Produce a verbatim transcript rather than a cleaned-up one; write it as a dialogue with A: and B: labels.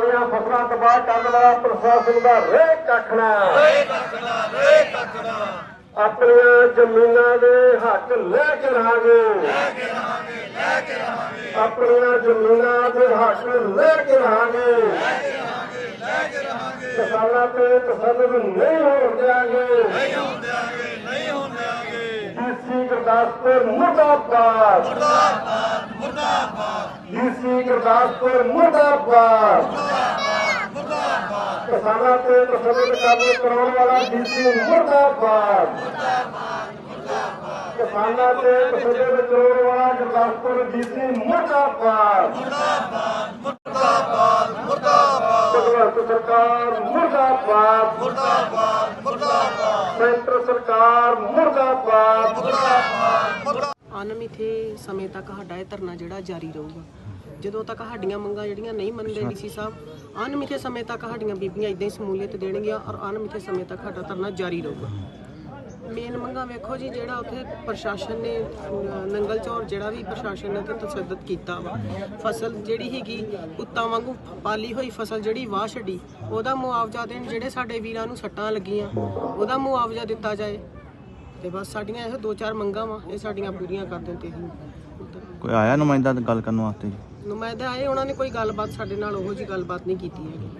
A: ਸਾਡੀਆਂ ਫਸਲਾਂ ਤਬਾਹ ਕਰਨ ਵਾਲਾ ਪ੍ਰਸ਼ਾਸਨ ਦਾ ਰੇਹ ਕੱਖਣਾ ਆਪਣੀਆਂ ਜ਼ਮੀਨਾਂ ਦੇ ਹੱਕ ਲੈ ਕੇ ਰਹਾਂਗੇ ਆਪਣੀਆਂ ਜ਼ਮੀਨਾਂ ਦੇ ਹੱਕ ਲੈ ਕੇ ਰਹਾਂਗੇ ਕਿਸਾਨਾਂ ਤੇ ਤਸੱਲੁਤ ਨਹੀਂ ਹੋਣ ਦਿਆਂਗੇ ਡੀਸੀ ਗੁਰਦਾਸਪੁਰ ਮੁਰਦਾਬਾਦ ਮੁਰਦਾਬਾਦ ਮੁਰਦਾਬਾਦ ਡੀਸੀ ਗੁਰਦਾਸਪੁਰ ਮੁਰਦਾਬਾਦ ਮੁਰਦਾਬਾਦ ਕਿਸਾਨਾਂ ਤੇ ਤਸੱਲੁਤ ਕਾਬੂ ਕਰਾਉਣ ਵਾਲਾ ਡੀਸੀ ਮੁਰਦਾਬਾਦ ਕਿਸਾਨਾਂ ਤੇ ਤਸੱਲੁਤ ਕਰਾਉਣ ਵਾਲਾ ਗੁਰਦਾਸਪੁਰ ਡੀਸੀ ਮੁਰਦਾਬਾਦ ਮੁਰਦਾਬਾਦ ਮੁਰਦਾਬਾਦ ਭਗਵੰਤ ਸਰਕਾਰ ਮੁਰਦਾਬਾਦ ਮੁਰਦਾਬਾਦ ਮੁਰਦਾਬਾਦ ਸੈਂਟਰ ਸਰਕਾਰ ਮੁਰਦਾਬਾਦ ਮੁਰਦਾਬਾਦ।
B: ਅਣਮਿੱਥੇ ਸਮੇਂ ਤੱਕ ਸਾਡਾ ਇਹ ਧਰਨਾ ਜਿਹੜਾ ਜਾਰੀ ਰਹੂਗਾ। ਜਦੋਂ ਤੱਕ ਸਾਡੀਆਂ ਮੰਗਾਂ ਜਿਹੜੀਆਂ ਨਹੀਂ ਮੰਨਦੇ ਡੀਸੀ ਸਾਹਿਬ ਅਣਮਿੱਥੇ ਸਮੇਂ ਤੱਕ ਸਾਡੀਆਂ ਬੀਬੀਆਂ ਇਦਾਂ ਹੀ ਸਮੂਲੀਅਤ ਦੇਣਗੀਆਂ ਔਰ ਅਣਮਿੱਥੇ ਸਮੇਂ ਤੱਕ ਸਾਡਾ ਧਰਨਾ ਜਾਰੀ ਰਹੂਗਾ। ਮੇਨ ਮੰਗਾਂ ਵੇਖੋ ਜੀ, ਜਿਹੜਾ ਉੱਥੇ ਪ੍ਰਸ਼ਾਸਨ ਨੇ ਨੰਗਲ ਚੌਰ ਜਿਹੜਾ ਵੀ ਪ੍ਰਸ਼ਾਸਨ ਨੇ ਤਸ਼ੱਦਦ ਕੀਤਾ ਵਾ, ਫਸਲ ਜਿਹੜੀ ਹੈਗੀ ਕੁੱਤਾਂ ਵਾਂਗੂ ਪਾਲੀ ਹੋਈ ਫਸਲ ਜਿਹੜੀ ਵਾਹ ਛੱਡੀ ਉਹਦਾ ਮੁਆਵਜ਼ਾ ਦੇਣ, ਜਿਹੜੇ ਸਾਡੇ ਵੀਰਾਂ ਨੂੰ ਸੱਟਾਂ ਲੱਗੀਆਂ ਉਹਦਾ ਮੁਆਵਜ਼ਾ ਦਿੱਤਾ ਜਾਏ। ਤੇ ਬਸ ਸਾਡੀਆਂ ਇਹ ਦੋ ਚਾਰ ਮੰਗਾਂ ਵਾ, ਇਹ ਸਾਡੀਆਂ ਪੂਰੀਆਂ ਕਰ ਦੇਣ। ਤੇ
C: ਕੋਈ ਆਇਆ ਨੁਮਾਇੰਦਾ ਗੱਲ ਕਰਨ ਵਾਸਤੇ?
B: ਨੁਮਾਇੰਦੇ ਆਏ, ਉਹਨਾਂ ਨੇ ਕੋਈ ਗੱਲਬਾਤ ਸਾਡੇ ਨਾਲ ਉਹੋ ਜਿਹੀ ਗੱਲਬਾਤ ਨਹੀਂ ਕੀਤੀ ਹੈਗੀ।